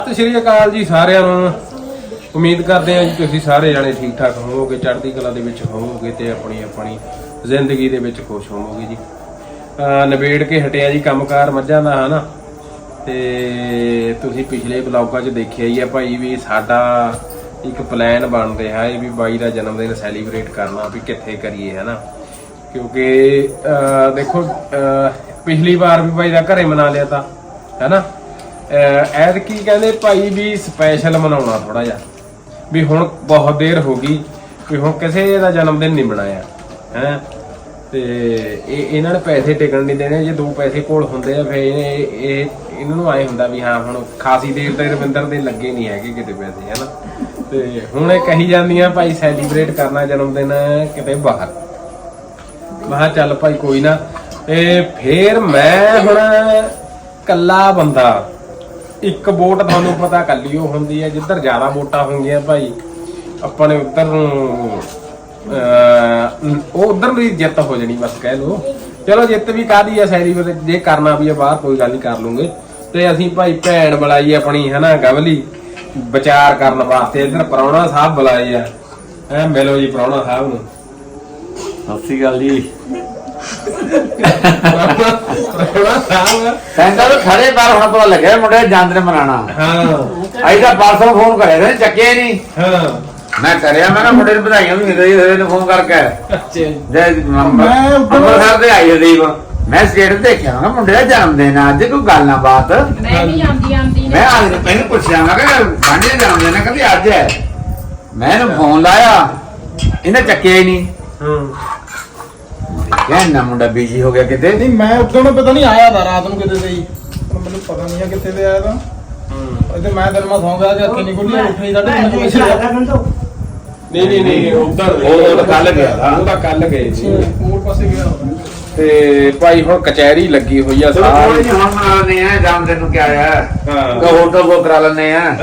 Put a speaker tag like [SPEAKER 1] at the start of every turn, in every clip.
[SPEAKER 1] ਸਤਿ ਸ਼੍ਰੀ ਅਕਾਲ ਜੀ ਸਾਰਿਆਂ ਨੂੰ। ਉਮੀਦ ਕਰਦੇ ਹਾਂ ਜੀ ਤੁਸੀਂ ਸਾਰੇ ਜਾਣੇ ਠੀਕ ਠਾਕ ਹੋਵੋਗੇ, ਚੜ੍ਹਦੀ ਕਲਾ ਦੇ ਵਿੱਚ ਹੋਵੋਗੇ ਤੇ ਆਪਣੀ ਜ਼ਿੰਦਗੀ ਦੇ ਵਿੱਚ ਖੁਸ਼ ਹੋਵੋਗੇ ਜੀ। ਨਿਬੇੜ ਕੇ ਹਟਿਆ ਜੀ ਕੰਮਕਾਰ ਮੱਝਾਂ ਦਾ, ਹਨਾ। ਤੇ ਤੁਸੀਂ ਪਿਛਲੇ ਵਲੌਗਾਂ 'ਚ ਦੇਖਿਆ ਹੀ ਆ ਭਾਈ ਵੀ ਸਾਡਾ ਇੱਕ ਪਲਾਨ ਬਣ ਰਿਹਾ ਹੈ ਵੀ ਬਾਈ ਦਾ ਜਨਮ ਦਿਨ ਸੈਲੀਬ੍ਰੇਟ ਕਰਨਾ, ਵੀ ਕਿੱਥੇ ਕਰੀਏ, ਹਨਾ। ਕਿਉਂਕਿ ਦੇਖੋ ਪਿਛਲੀ ਵਾਰ ਵੀ ਬਾਈ ਦਾ ਘਰੇ ਮਨਾ ਲਿਆ ਤਾ, ਹਨਾ। ਐਤਕੀ ਕਹਿੰਦੇ ਭਾਈ ਵੀ ਸਪੈਸ਼ਲ ਮਨਾਉਣਾ ਥੋੜਾ ਜਿਹਾ, ਵੀ ਹੁਣ ਬਹੁਤ ਦੇਰ ਹੋ ਗਈ ਵੀ ਹੁਣ ਕਿਸੇ ਦਾ ਜਨਮ ਦਿਨ ਨਹੀਂ ਮਨਾਇਆ ਹੈ। ਤੇ ਇਹਨਾਂ ਨੇ ਪੈਸੇ ਟਿਕਣ ਨਹੀਂ ਦੇਣੇ। ਜੇ 2 ਪੈਸੇ ਕੋਲ ਹੁੰਦੇ ਆ ਫਿਰ ਇਹਨਾਂ ਨੂੰ ਆਏ ਹੁੰਦਾ ਵੀ ਹਾਂ ਹੁਣ ਖਾਸੀ ਦੇਰ ਤੱਕ ਰਵਿੰਦਰ ਦੇ ਲੱਗੇ ਨਹੀਂ ਹੈਗੇ ਕਿਤੇ ਪੈਸੇ, ਹਨਾ। ਤੇ ਹੁਣ ਇਹ ਕਹੀ ਜਾਂਦੀਆਂ ਭਾਈ ਸੈਲੀਬ੍ਰੇਟ ਕਰਨਾ ਜਨਮ ਦਿਨ ਕਿਤੇ ਬਾਹਰ। ਮੈਂ ਕਿਹਾ ਚੱਲ ਭਾਈ ਕੋਈ ਨਾ। ਇਹ ਫੇਰ ਮੈਂ ਹੁਣ ਕੱਲਾ ਬੰਦਾ, ਇੱਕ ਵੋਟ ਤੁਹਾਨੂੰ ਪਤਾ ਕੱਲੀ ਉਹ ਹੁੰਦੀ ਹੈ, ਜਿੱਧਰ ਜ਼ਿਆਦਾ ਵੋਟਾਂ ਹੋਣਗੀਆਂ ਭਾਈ ਆਪਾਂ ਨੇ ਉੱਧਰ ਨੂੰ ਉਹ ਉਧਰ ਦੀ ਜਿੱਤ ਹੋ ਜਾਣੀ, ਬਸ ਕਹਿ ਲਓ। ਚਲੋ ਜਿੱਤ ਵੀ ਕਾਹਦੀ ਆ, ਸੈਲੀਬ੍ਰੇਟ ਜੇ ਕਰਨਾ ਵੀ ਆ ਬਾਹਰ ਕੋਈ ਗੱਲ ਨਹੀਂ, ਕਰ ਲੂੰਗੇ। ਤੇ ਅਸੀਂ ਭਾਈ ਭੈਣ ਬੁਲਾਈ ਆਪਣੀ, ਹਨਾ, ਗਵਲੀ ਵਿਚਾਰ ਕਰਨ ਵਾਸਤੇ। ਇੱਧਰ ਪ੍ਰਾਹੁਣਾ ਸਾਹਿਬ ਬੁਲਾਏ ਆ, ਹੈ ਮਿਲੋ ਜੀ ਪ੍ਰਾਹੁਣਾ ਸਾਹਿਬ ਨੂੰ।
[SPEAKER 2] ਸਤਿ ਸ਼੍ਰੀ ਅਕਾਲ ਜੀ।
[SPEAKER 1] ਕਹਿੰਦਾ
[SPEAKER 2] ਖੜੇ ਬਾਹਰ ਹੁਣ ਪਤਾ ਲੱਗਿਆ ਮੁੰਡੇ ਜਨਮ ਦਿਨ ਮਨਾਣਾ। ਹਾਂ ਅਈ ਤਾਂ ਪਾਰਸਲ ਫੋਨ ਕਰਿਆ ਤੇ ਚੱਕਿਆ ਨਹੀਂ। ਹਾਂ ਮੈਂ ਕਰਿਆ, ਮੈਂ ਕਿਹਾ ਮੁੰਡੇ ਨੂੰ ਵਧਾਈਆਂ ਵੀ ਮਿਲ ਰਹੀ ਨੇ ਫੋਨ ਕਰਕੇ। ਮੈਂ ਅੰਮ੍ਰਿਤਸਰ ਦੇ ਆਈ ਦੀਪ, ਮੈਂ ਸਟੇਟਸ ਦੇਖਿਆ ਨਾ ਮੁੰਡੇ ਦਾ ਜਨਮ ਦਿਨ ਅੱਜ, ਕੋਈ ਗੱਲ ਨਾ ਬਾਤ।
[SPEAKER 3] ਮੈਂ ਵੀ ਆਂਦੀ
[SPEAKER 2] ਮੈਂ ਅੱਜ ਪਹਿਲਾਂ ਪੁੱਛਿਆ, ਮੈਂ ਕਿਹਾ ਸਾਂਝੇ ਜਨਮ ਦਿਨ ਹੈ, ਕਹਿੰਦੀ ਅੱਜ ਹੈ। ਮੈਂ ਇਹਨੂੰ ਫੋਨ ਲਾਇਆ, ਇਹਨੇ ਚੱਕਿਆ ਹੀ ਨਹੀਂ। ਕਹਿੰਦਾ ਮੁੰਡਾ ਬਿਜੀ ਹੋ ਗਿਆ ਕਿਤੇ।
[SPEAKER 4] ਨਹੀਂ ਮੈਂ ਉਦੋਂ ਨੂੰ ਪਤਾ ਨਹੀਂ ਆਇਆ ਤਾਂ ਰਾਤ ਨੂੰ ਕਿਤੇ ਤੇ ਹੀ, ਮੈਨੂੰ ਪਤਾ ਨਹੀਂ ਆ ਕਿੱਥੇ ਤੇ ਆਇਆ ਤਾਂ। ਤੇ ਮੈਂ ਦਿਨ ਮਾ ਸੌਂ ਗਿਆ ਕਿ ਅੱਖੀ ਨਹੀਂ ਖੁੱਲੀ, ਉੱਠੀ ਸਾਡੇ
[SPEAKER 1] ਨਹੀਂ ਉਹ ਕੱਲ ਗਿਆ ਦਾ, ਉਹ ਤਾਂ ਕੱਲ ਗਏ ਸੀ,
[SPEAKER 4] ਹੋਰ ਪਾਸੇ ਗਿਆ।
[SPEAKER 1] ਤੇ ਭਾਈ ਹੁਣ ਕਚਹਿਰੀ ਲੱਗੀ ਹੋਈ ਆ
[SPEAKER 2] ਸਾਰੀ। ਹੁਣ ਮਨਾਉਣੇ ਆ ਜਨਮ ਦਿਨ ਨੂੰ, ਕਿਆ ਆ ਹੋਟਲ ਬੁੱਕ ਕਰਾ ਲੈਣੇ ਆ।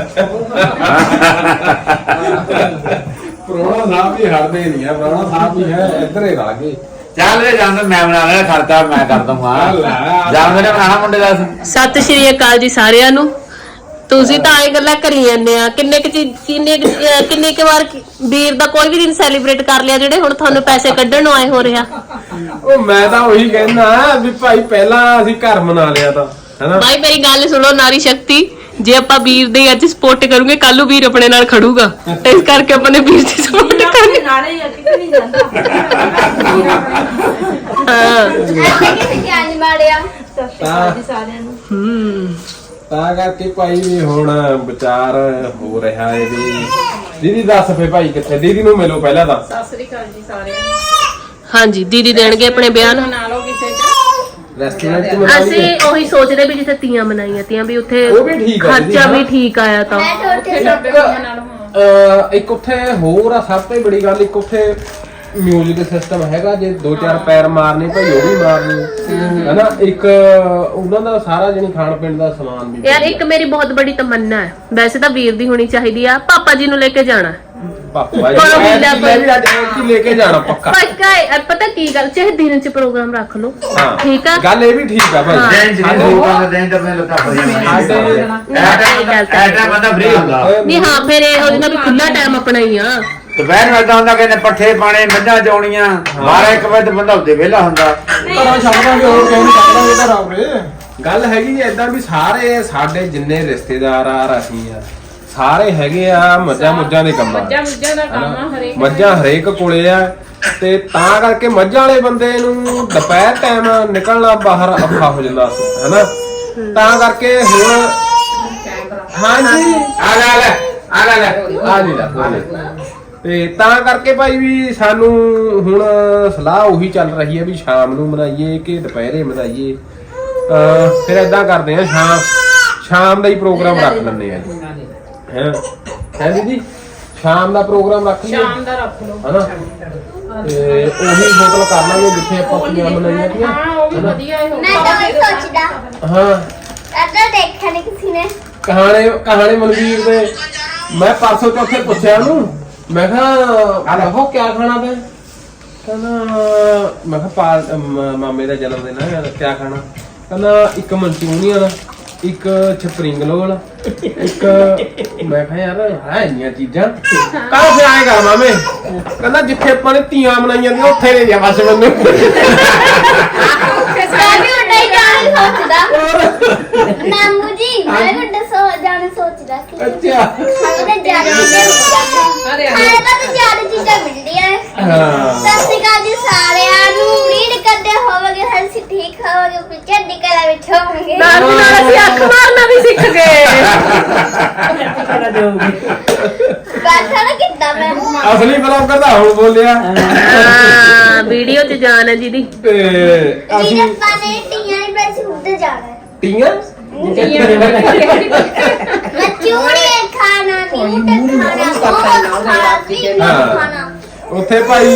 [SPEAKER 1] ਪ੍ਰਾਹੁਣਾ ਸਾਹਿਬ ਵੀ ਹਟਦੇ ਨਹੀਂ ਆ, ਪ੍ਰਾਹੁਣਾ ਸਾਹਿਬ ਵੀ ਹੈ ਇੱਧਰ ਹੀ ਰਲ ਗਏ।
[SPEAKER 2] ਚੱਲ ਵੇ ਜਨਮ ਮੈਂ ਬਣਾ ਲੈਣਾ, ਖਰਚਾ ਮੈਂ ਕਰ ਦੂੰਗਾ। ਜਨਮ ਦਿਨ ਬਣਾਣਾ ਮੁੰਡੇ ਦਾ।
[SPEAKER 3] ਸਤਿ ਸ਼੍ਰੀ ਅਕਾਲ ਜੀ ਸਾਰਿਆਂ ਨੂੰ। ਤੁਸੀਂ ਤਾਂ ਇਹ ਗੱਲਾਂ ਕਰੀ ਜਾਂਦੇ ਆ, ਕਿੰਨੇ ਕੁ ਵਾਰ ਵੀਰ ਦਾ ਕੋਈ ਵੀ ਦਿਨ ਸੈਲੀਬ੍ਰੇਟ ਕਰ ਲਿਆ ਜਿਹੜੇ ਹੁਣ ਤੁਹਾਨੂੰ ਪੈਸੇ ਕੱਢਣ ਨੂੰ ਆਏ ਹੋ ਰਿਹਾ।
[SPEAKER 1] ਉਹ ਮੈਂ ਤਾਂ ਉਹੀ ਕਹਿੰਦਾ ਵੀ ਭਾਈ ਪਹਿਲਾਂ ਅਸੀਂ ਘਰ ਮਨਾ ਲਿਆ ਤਾਂ, ਹਨਾ।
[SPEAKER 3] ਭਾਈ ਮੇਰੀ ਗੱਲ ਸੁਣੋ, ਨਾਰੀ ਸ਼ਕਤੀ, ਜੇ ਆਪਾਂ ਵੀਰ ਦੇ ਅੱਜ ਸਪੋਰਟ ਕਰੂਗੇ ਕੱਲ ਨੂੰ ਵੀਰ ਆਪਣੇ ਨਾਲ ਖੜੂਗਾ, ਇਸ ਕਰਕੇ ਆਪਾਂ ਨੇ ਵੀਰ ਦੀ ਸਪੋਰਟ ਕਰਨੀ।
[SPEAKER 5] ਨਾਲੇ ਕਿਤੇ ਨਹੀਂ ਜਾਂਦਾ।
[SPEAKER 3] ਹਾਂ
[SPEAKER 5] ਕਿਹਨੇ ਮਾਰਿਆ। ਸਤਿ ਸ਼੍ਰੀ ਅਕਾਲ ਜੀ ਸਾਰਿਆਂ ਨੂੰ।
[SPEAKER 1] ਤਾਂ ਕਰਕੇ ਭਾਈ ਵੀ ਹੁਣ ਵਿਚਾਰ ਹੋ ਰਿਹਾ ਹੈ ਵੀ ਦੀਦੀ ਦੱਸ ਫੇ ਭਾਈ ਕਿੱਥੇ, ਦੀਦੀ ਨੂੰ ਮਿਲੋ ਪਹਿਲਾਂ ਤਾਂ।
[SPEAKER 3] ਸਤਿ ਸ਼੍ਰੀ ਅਕਾਲ ਜੀ ਸਾਰਿਆਂ ਨੂੰ। ਹਾਂਜੀ ਦੀਦੀ ਦੇਣਗੇ ਆਪਣੇ ਬਿਆਨ।
[SPEAKER 5] ਬਣਾ ਲਓ ਕਿਸੇ
[SPEAKER 1] ਰੈਸਟੋਰੈਂਟ ਚ
[SPEAKER 3] ਅਸੀਂ ਉਹੀ ਸੋਚਦੇ ਵੀ ਜਿੱਥੇ ਤੀਆਂ ਮਨਾਈਆਂ ਤੀਆਂ ਵੀ ਉੱਥੇ
[SPEAKER 1] ਉਹ ਵੀ ਠੀਕ ਆ,
[SPEAKER 3] ਖਰਚਾ ਵੀ ਠੀਕ ਆਇਆ ਤਾਂ।
[SPEAKER 1] ਇੱਕ ਉੱਥੇ ਹੋਰ ਆ ਸਭ ਤੋਂ ਬੜੀ ਗੱਲ, ਇੱਕ ਉੱਥੇ ਮਿਊਜ਼ਿਕ ਸਿਸਟਮ ਹੈਗਾ, ਜੇ 2-4 ਪੈਰ ਮਾਰਨੇ ਭਾਈ ਉਹ ਵੀ ਮਾਰਨੇ, ਹਨਾ। ਇੱਕ ਉਹਨਾਂ ਦਾ ਸਾਰਾ ਜਿਹੜੀ ਖਾਣ ਪੀਣ ਦਾ ਸਮਾਨ ਵੀ।
[SPEAKER 3] ਯਾਰ ਇੱਕ ਮੇਰੀ ਬਹੁਤ ਬੜੀ ਤਮੰਨਾ ਹੈ, ਵੈਸੇ ਤਾਂ ਵੀਰ ਦੀ ਹੋਣੀ ਚਾਹੀਦੀ ਆ, ਪਾਪਾ ਜੀ ਨੂੰ ਲੈ ਕੇ ਜਾਣਾ।
[SPEAKER 1] ਪਾਪਾ ਜੀ ਲੈ ਕੇ ਜਾਣਾ ਪੱਕਾ।
[SPEAKER 3] ਪਤਾ ਕੀ ਗੱਲ, ਚਾਹੇ ਦਿਨ ਚ ਪ੍ਰੋਗਰਾਮ ਰੱਖ ਲਓ, ਠੀਕ ਆ,
[SPEAKER 1] ਗੱਲ ਇਹ ਵੀ ਠੀਕ ਆ ਭਾਈ।
[SPEAKER 3] ਨਹੀਂ ਹਾਂ ਫਿਰ ਇਹ ਉਹਦੇ ਨਾਲ ਵੀ ਖੁੱਲਾ ਟਾਈਮ ਆਪਣਾ ਹੀ ਆ।
[SPEAKER 2] ਦੁਪਹਿਰ ਨੂੰ ਏਦਾਂ ਹੁੰਦਾ ਕਿ ਪੱਠੇ ਪਾਣੇ, ਮੱਝਾਂ ਚੋਣੀਆਂ, 12-1 ਵਜੇ ਤੇ ਬੰਦਾ ਉੱਤੇ ਵਿਹਲਾ ਹੁੰਦਾ।
[SPEAKER 4] ਘਰਾਂ ਛੱਡਦਾਂਗੇ, ਹੋਰ ਕਿਉਂ ਨਹੀਂ ਛੱਡਦਾਂਗੇ ਘਰ ਆਉਰੇ।
[SPEAKER 1] ਗੱਲ ਹੈਗੀ ਜੀ ਏਦਾਂ ਵੀ ਸਾਰੇ ਸਾਡੇ ਜਿੰਨੇ ਰਿਸ਼ਤੇਦਾਰ ਆ ਅਸੀਂ ਆ ਸਾਰੇ ਹੈਗੇ ਆ ਮੱਝਾਂ ਦੇ ਕੰਮਾਂ, ਮੱਝਾਂ ਹਰੇਕ ਕੋਲੇ ਆ। ਤੇ ਤਾਂ ਕਰਕੇ ਮੱਝਾਂ ਵਾਲੇ ਬੰਦੇ ਨੂੰ ਦੁਪਹਿਰ ਟਾਈਮ ਨਿਕਲਣਾ ਬਾਹਰ ਔਖਾ ਹੋ ਜਾਂਦਾ, ਹਨਾ। ਤਾਂ ਕਰਕੇ ਹੁਣ ਹਾਂਜੀ ਆ ਜੀ ਤੇ ਤਾਂ ਕਰਕੇ ਭਾਈ ਵੀ ਸਾਨੂੰ ਹੁਣ ਸਲਾਹ ਉਹੀ ਚੱਲ ਰਹੀ ਹੈ ਵੀ ਸ਼ਾਮ ਨੂੰ ਮਨਾਈਏ ਕਿ ਦੁਪਹਿਰੇ ਮਨਾਈਏ। ਫਿਰ ਏਦਾਂ ਕਰਦੇ ਆ ਸ਼ਾਮ ਦਾ ਹੀ ਪ੍ਰੋਗਰਾਮ ਰੱਖ ਲੈਂਦੇ ਆ ਜੀ, ਹੈ ਦੀਦੀ। ਸ਼ਾਮ ਦਾ ਪ੍ਰੋਗਰਾਮ ਰੱਖ ਲਈਏ,
[SPEAKER 5] ਸ਼ਾਮ ਦਾ ਰੱਖ ਲਓ,
[SPEAKER 1] ਹਨਾ। ਤੇ ਉਹੀ ਹੋਟਲ ਕਰ ਲਾਂਗੇ ਜਿੱਥੇ ਆਪਾਂ ਤੀਆਂ ਮਨਾਈਆਂ ਤੀਆਂ।
[SPEAKER 5] ਹਾਂ ਉਹ ਵੀ ਵਧੀਆ ਹੈ।
[SPEAKER 6] ਮੈਂ ਤਾਂ ਉਹੀ ਸੋਚਦਾ
[SPEAKER 1] ਹਾਂ
[SPEAKER 6] ਅੱਧਾ ਦੇਖਿਆ ਨਹੀਂ ਕਿਸੇ ਨੇ।
[SPEAKER 1] ਕਹਾਣੀ ਮਨਵੀਰ ਦੇ ਮੈਂ ਪਰਸੋਂ ਚੌਥੇ ਪੁੱਛਿਆ ਉਹਨੂੰ, ਮੈਂ ਕਿਹਾ ਆਹੋ ਕਿਆ ਖਾਣਾ ਤੇ ਕਹਿੰਦਾ, ਮੈਂ ਕਿਹਾ ਮਾਮੇ ਦਾ ਜਨਮ ਦਿਨ ਹੈ ਕਿਆ ਖਾਣਾ, ਕਹਿੰਦਾ ਇੱਕ ਮਨਚੂਰੀਅਨ ਇੱਕ ਸਪਰਿੰਗ ਰੋਲ, ਇੱਕ ਮੈਂ ਕਿਹਾ ਯਾਰ ਹੈ ਇੰਨੀਆਂ ਚੀਜ਼ਾਂ ਕਾਹ ਫਿਰ ਆਏ ਕਰ ਮਾਮੇ ਕਹਿੰਦਾ ਜਿੱਥੇ ਆਪਾਂ ਨੇ ਧੀਆਂ ਬਣਾਈਆਂ ਦੀਆਂ ਉੱਥੇ ਲੈ ਜਾ ਬਸ ਮੈਨੂੰ
[SPEAKER 6] ਮੈਂ ਵੀ ਉੱਡਾ ਹੀ ਜਾਣ ਸੋਚਦਾ ਨਾਮੂ ਜੀ ਮੈਂ ਵੀ ਉੱਡਾ ਜਾਣ ਸੋਚਦਾ ਕਿ
[SPEAKER 1] ਅੱਛਾ
[SPEAKER 6] ਉਹਨੇ ਜ਼ਿਆਦਾ ਚੀਜ਼ਾਂ ਖਾਣੇ ਤਾਂ ਜ਼ਿਆਦਾ ਚੀਜ਼ਾਂ ਮਿਲਦੀਆਂ
[SPEAKER 1] ਹਾਂ
[SPEAKER 6] ਸਤਿ ਸ਼੍ਰੀ ਅਕਾਲ ਜੀ ਸਾਰਿਆਂ ਨੂੰ ਉਮੀਦ ਕਰਦੇ ਹੋਵਾਂਗੇ ਹਰ ਠੀਕ ਹੋਵਾਂਗੇ ਪਿੱਛੇ ਨਿਕਲਾ ਵਿੱਚ ਹੋਵਾਂਗੇ
[SPEAKER 3] ਨਾਲ ਦੀ ਨਾਲ ਅਸੀਂ ਅੱਖ ਮਾਰਨਾ ਵੀ ਸਿੱਖ ਗਏ
[SPEAKER 6] ਬਾਤਾਂ ਨਾ ਕਿੱਦਾਂ ਮੈਂ
[SPEAKER 1] ਅਸਲੀ ਬਲੌਗਰ ਤਾਂ ਹੁਣ ਬੋਲਿਆ
[SPEAKER 3] ਹਾਂ ਵੀਡੀਓ 'ਚ ਜਾਨ ਹੈ ਜਿਹਦੀ
[SPEAKER 1] ਤੇ
[SPEAKER 6] ਵੀਰ
[SPEAKER 1] ਅਸੀਂ
[SPEAKER 6] ਆਪਾਂ ਨੇ ਟੀਆਂ ਨਹੀਂ ਪੈਸੇ ਉੱਧਰ ਜਾਣਾ ਹੈ
[SPEAKER 1] ਟੀਆਂ
[SPEAKER 6] ਮੈਂ ਚੂੜੀਆਂ ਖਾਣਾ ਨਹੀਂ ਖਾਣਾ ਬਹੁਤ ਖਾਣਾ ਵੀ ਖਾਣਾ
[SPEAKER 1] ਉੱਥੇ ਭਾਈ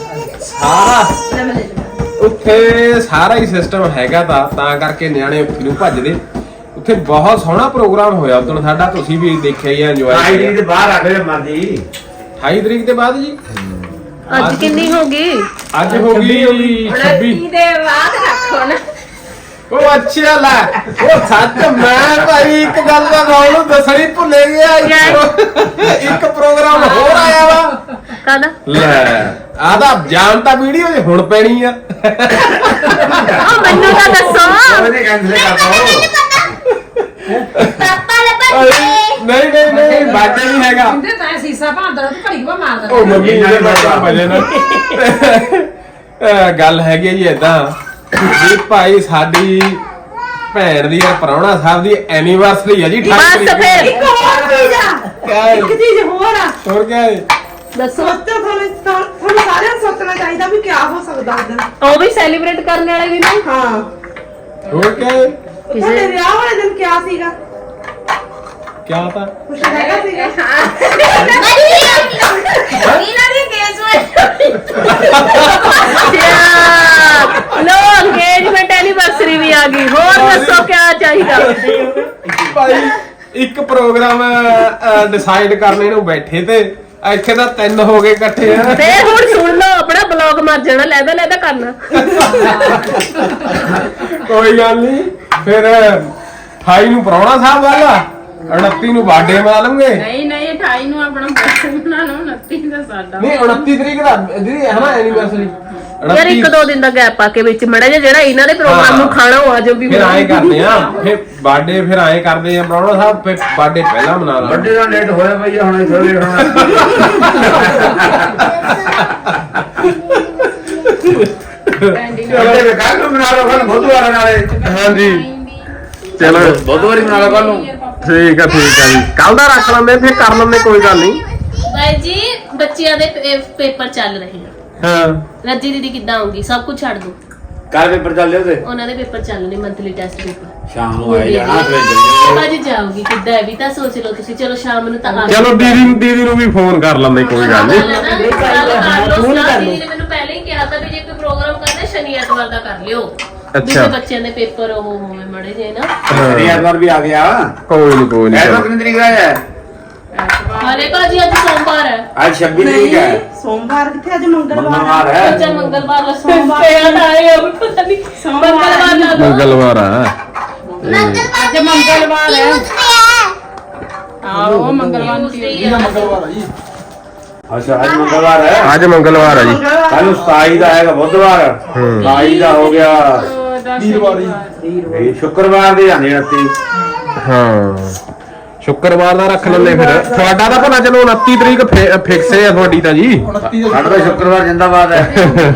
[SPEAKER 1] ਉੱਥੇ ਸਾਰਾ ਹੀ ਸਿਸਟਮ ਹੈਗਾ ਤਾਂ ਕਰਕੇ ਨਿਆਣੇ ਉੱਥੇ ਨੂੰ ਭੱਜਦੇ ਉੱਥੇ ਬਹੁਤ ਸੋਹਣਾ ਪ੍ਰੋਗਰਾਮ ਹੋਇਆ ਉਦੋਂ ਸਾਡਾ ਤੁਸੀਂ ਵੀ ਦੇਖਿਆ ਹੀ ਇੰਜੋਏ
[SPEAKER 2] ਆਈਡੀ ਦੇ ਬਾਹਰ ਆ ਗਏ ਮਰਦੀ
[SPEAKER 1] 28 ਤਰੀਕ ਦੇ ਬਾਅਦ ਜੀ
[SPEAKER 3] ਅੱਜ ਕਿੰਨੀ ਹੋ ਗਈ
[SPEAKER 1] ਅੱਜ ਹੋ ਗਈ 26
[SPEAKER 5] ਦੇ ਬਾਅਦ ਰੱਖੋ ਨਾ
[SPEAKER 1] ਉਹ ਅੱਛਾ ਲੈ ਉਹ ਸੱਚ ਮੈਂ ਭਾਈ ਇੱਕ ਗੱਲ ਦਾ ਤੁਹਾਨੂੰ ਦੱਸਣੀ ਭੁੱਲੇ ਗਿਆ ਇੱਕ ਪ੍ਰੋਗਰਾਮ ਹੋਰ ਆਇਆ ਵਾ
[SPEAKER 3] ਕਾਹਦਾ
[SPEAKER 1] ਲੈ ਆਦਾ ਜਾਣ ਤਾਂ ਵੀਡੀਓ 'ਚ ਹੁਣ ਪੈਣੀ ਆ
[SPEAKER 3] ਉਹ ਮੈਨੂੰ ਤਾਂ ਦੱਸੋ
[SPEAKER 2] ਉਹਨੇ ਕੈਂਸਲ ਕਰਤਾ
[SPEAKER 6] ਪਾਪਾ ਲੱਭਣ
[SPEAKER 1] ਨਹੀਂ ਨਹੀਂ ਨਹੀਂ ਬਾਜਾ ਨਹੀਂ ਹੈਗਾ
[SPEAKER 7] ਕਹਿੰਦੇ ਤਾਂ ਸੀਸਾ ਭਾਂਦਾ ਤੂੰ ਘੜੀ ਵਾ ਮਾਰ
[SPEAKER 1] ਉਹ ਮੰਮੀ ਇਹਦੇ ਬਾਜਾ ਵਜੇ ਨਾ ਗੱਲ ਹੈਗੀ ਜੀ ਏਦਾਂ ਵੀ ਭਾਈ ਸਾਡੀ ਭੈਣ ਦੀ ਪ੍ਰਾਹੁਣਾ ਸਾਹਿਬ ਦੀ ਐਨੀਵਰਸਰੀ ਹੈ ਜੀ 28
[SPEAKER 3] ਬਸ
[SPEAKER 1] ਤਰੀਕ
[SPEAKER 3] ਫਿਰ
[SPEAKER 1] ਕਿਆ ਹੈ?
[SPEAKER 7] ਇੱਕ ਚੀਜ਼ ਹੋਰ ਆ
[SPEAKER 1] ਹੋਰ ਕਿਆ ਹੈ
[SPEAKER 3] ਦੱਸੋ
[SPEAKER 7] ਤੁਹਾਨੂੰ ਸਾਰਿਆਂ ਨੂੰ ਸੋਚਣਾ ਚਾਹੀਦਾ ਵੀ ਕਿਆ ਹੋ ਸਕਦਾ ਉਸ ਦਿਨ
[SPEAKER 3] ਉਹ ਵੀ ਸੈਲੀਬ੍ਰੇਟ ਕਰਨ ਵਾਲੇ ਵੀ ਨੇ
[SPEAKER 7] ਹਾਂ
[SPEAKER 1] ਹੋਰ ਕਿਆ ਹੈ?
[SPEAKER 7] ਤੁਹਾਡੇ ਵਿਆਹ ਵਾਲੇ ਦਿਨ ਕਿਆ ਸੀਗਾ
[SPEAKER 1] ਕਿਆ ਤਾਂ
[SPEAKER 7] ਕੁਛ ਹੈਗਾ ਸੀਗਾ
[SPEAKER 5] ਇਹਨਾਂ ਦੀ ਕੇਸ ਵਿੱਚ
[SPEAKER 3] ਲੋ ਅੰਗੇਜਮੈਂਟ ਐਨੀਵਰਸਰੀ ਵੀ ਆ ਗਈ ਹੋਰ ਦੱਸੋ ਕੀ ਚਾਹੀਦਾ
[SPEAKER 1] ਭਾਈ ਇੱਕ ਪ੍ਰੋਗਰਾਮ ਡਿਸਾਈਡ ਕਰਨੇ ਨੂੰ ਬੈਠੇ ਤੇ ਇੱਥੇ ਤਾਂ 3 ਹੋ ਗਏ ਇਕੱਠੇ ਆ
[SPEAKER 3] ਫੇਰ ਹੁਣ ਸੁਣ ਲਓ ਆਪਣਾ ਬਲੌਗ ਮਰ ਜਾਣਾ ਲੈਦਾ ਕਰਨਾ
[SPEAKER 1] ਕੋਈ ਗੱਲ ਨਹੀਂ ਫਿਰ 28 ਨੂੰ ਪ੍ਰਾਹੁਣਾ ਸਾਹਿਬ ਵਾਲਾ 29 ਨੂੰ ਬਰਥਡੇ ਮਨਾ ਲਵਾਂਗੇ
[SPEAKER 7] ਨਹੀਂ 28 ਨੂੰ ਆਪਣਾ ਬਰਥਡੇ ਮਨਾਉਣਾ 29 ਦਾ ਸਾਡਾ
[SPEAKER 1] ਨਹੀਂ 29 ਤਰੀਕ ਦਾ ਦੀਦੀ ਹੈ ਨਾ ਐਨੀਵਰਸਰੀ
[SPEAKER 3] ਯਾਰ 1-2 ਦਿਨ ਦਾ ਗੈਪ ਪਾ ਕੇ ਵਿੱਚ ਮੜਾ ਜਿਹੜਾ ਇਹਨਾਂ ਦੇ ਪ੍ਰੋਗਰਾਮ ਨੂੰ ਖਾਣਾ ਉਹ ਆ ਜੋ ਵੀ
[SPEAKER 1] ਫਿਰ ਆਏ ਕਰਦੇ ਆ ਫਿਰ ਬਰਥਡੇ ਫਿਰ ਆਏ ਕਰਦੇ ਆ ਪ੍ਰਾਹੁਣਾ ਸਾਹਿਬ ਫਿਰ ਬਰਥਡੇ ਪਹਿਲਾਂ ਮਨਾ ਲਾਂਗੇ
[SPEAKER 2] ਵੱਡੇ ਦਾ ਲੇਟ ਹੋਇਆ ਭਈਆ ਹੁਣ ਥੋੜਾ ਲੇਟ ਹੋਣਾ ਵੱਡੇ ਦੇ ਕੱਲ ਨੂੰ ਬਣਾ ਲਓ ਕੱਲ ਬੁੱਧਵਾਰ ਨਾਲੇ
[SPEAKER 1] ਹਾਂਜੀ ਚਲੋ
[SPEAKER 2] ਬੁੱਧਵਾਰੀ ਬਣਾ ਲਓ ਕੱਲ ਨੂੰ
[SPEAKER 1] ਠੀਕ ਆ ਜੀ ਕੱਲ ਦਾ ਰੱਖ ਲੈਂਦੇ ਫਿਰ ਕਰ ਲੈਂਦੇ ਕੋਈ ਗੱਲ ਨਹੀਂ
[SPEAKER 3] ਬਾਈ ਜੀ ਬੱਚਿਆਂ ਦੇ ਪੇਪਰ ਚੱਲ ਰਹੇ ਆ
[SPEAKER 1] ਹਾਂ
[SPEAKER 3] ਰੱਜੀ ਦੀਦੀ ਕਿੱਦਾਂ ਆਉਂਗੀ ਸਭ ਕੁਝ ਛੱਡ ਦੋ
[SPEAKER 2] ਕੱਲ ਪੇਪਰ ਚੱਲੇ ਉਹਦੇ
[SPEAKER 3] ਉਹਨਾਂ ਦੇ ਪੇਪਰ ਚੱਲਣੇ ਮੰਥਲੀ ਟੈਸਟ ਪੇਪਰ
[SPEAKER 2] ਸ਼ਾਮ ਨੂੰ ਆਏ ਜਾਣਾ ਫਿਰ
[SPEAKER 3] ਭਾਜੀ ਜਾਊਗੀ ਕਿੱਦਾਂ ਹੈ ਵੀ ਤਾਂ ਸੋਚ ਲਓ ਤੁਸੀਂ ਚਲੋ ਸ਼ਾਮ ਨੂੰ ਤਾਂ ਆ
[SPEAKER 1] ਚਲੋ ਦੀਦੀ ਨੂੰ ਵੀ ਫੋਨ ਕਰ ਲੈਂਦੇ ਕੋਈ ਗੱਲ ਨਹੀਂ
[SPEAKER 3] ਦੀਦੀ ਨੇ ਮੈਨੂੰ ਪਹਿਲਾਂ ਹੀ ਕਿਹਾ ਤਾਂ ਵੀ ਜੇ ਕੋਈ ਪ੍ਰੋਗਰਾਮ ਕਰਨਾ ਸ਼ਨੀ ਐਤਵਾਰ ਦਾ ਕਰ ਲਿਓ
[SPEAKER 1] ਅੱਛਾ।
[SPEAKER 3] ਵੀ ਬੱਚਿਆਂ ਦੇ ਪੇਪਰ ਉਹ ਹੋਵੇ ਮੜੇ ਜੇ ਨਾ
[SPEAKER 2] ਐਤਵਾਰ ਵੀ ਆ ਗਿਆ
[SPEAKER 1] ਕੋਈ ਨਹੀਂ
[SPEAKER 2] ਐਤਵਾਰ ਕਿੰਨੀ ਤਰੀਕ ਦਾ ਹੈ
[SPEAKER 3] ਹਲੇ ਭਾਜੀ ਅੱਜ ਸੋਮਵਾਰ ਹੈ
[SPEAKER 2] ਅੱਜ 26 ਤਰੀਕ ਹੈ
[SPEAKER 7] ਸੋਮਵਾਰ ਕਿੱਥੇ ਅੱਜ ਮੰਗਲਵਾਰ
[SPEAKER 2] ਮੰਗਲਵਾਰ ਹੈ
[SPEAKER 3] ਅੱਜ ਮੰਗਲਵਾਰ ਦਾ ਸੋਮਵਾਰ ਆਏ ਹੋ ਪਤਾ ਨਹੀਂ ਮੰਗਲਵਾਰ ਦਾ
[SPEAKER 1] ਮੰਗਲਵਾਰ ਆ
[SPEAKER 7] ਅੱਜ ਮੰਗਲਵਾਰ ਹੈ
[SPEAKER 6] ਹੈ
[SPEAKER 7] ਆਹੋ ਮੰਗਲਵਾਰ ਨੂੰ
[SPEAKER 4] ਇਹਦਾ ਮੰਗਲਵਾਰ ਆ ਜੀ
[SPEAKER 2] ਅੱਛਾ ਅੱਜ ਮੰਗਲਵਾਰ ਹੈ
[SPEAKER 1] ਅੱਜ ਮੰਗਲਵਾਰ ਆ ਜੀ
[SPEAKER 2] ਕੱਲ ਨੂੰ 27 ਦਾ ਹੈਗਾ ਬੁੱਧਵਾਰ 27 ਦਾ ਹੋ ਗਿਆ
[SPEAKER 4] ਵੀਰਵਾਰ ਜੀ
[SPEAKER 2] ਇਹ ਸ਼ੁੱਕਰਵਾਰ ਦੇ ਜਾਂਦੇ 29
[SPEAKER 1] ਹਾਂ ਸ਼ੁੱਕਰਵਾਰ ਦਾ ਰੱਖ ਲੈਂਦੇ ਫਿਰ ਤੁਹਾਡਾ ਤਾਂ ਭਲਾ ਚਲੋ 29 ਤਰੀਕ ਫਿਕਸ ਹੈ ਤੁਹਾਡੀ ਤਾਂ ਜੀ
[SPEAKER 4] 29 ਦਾ
[SPEAKER 2] ਸਾਡਾ ਤਾਂ ਸ਼ੁੱਕਰਵਾਰ ਜਿੰਦਾਬਾਦ ਹੈ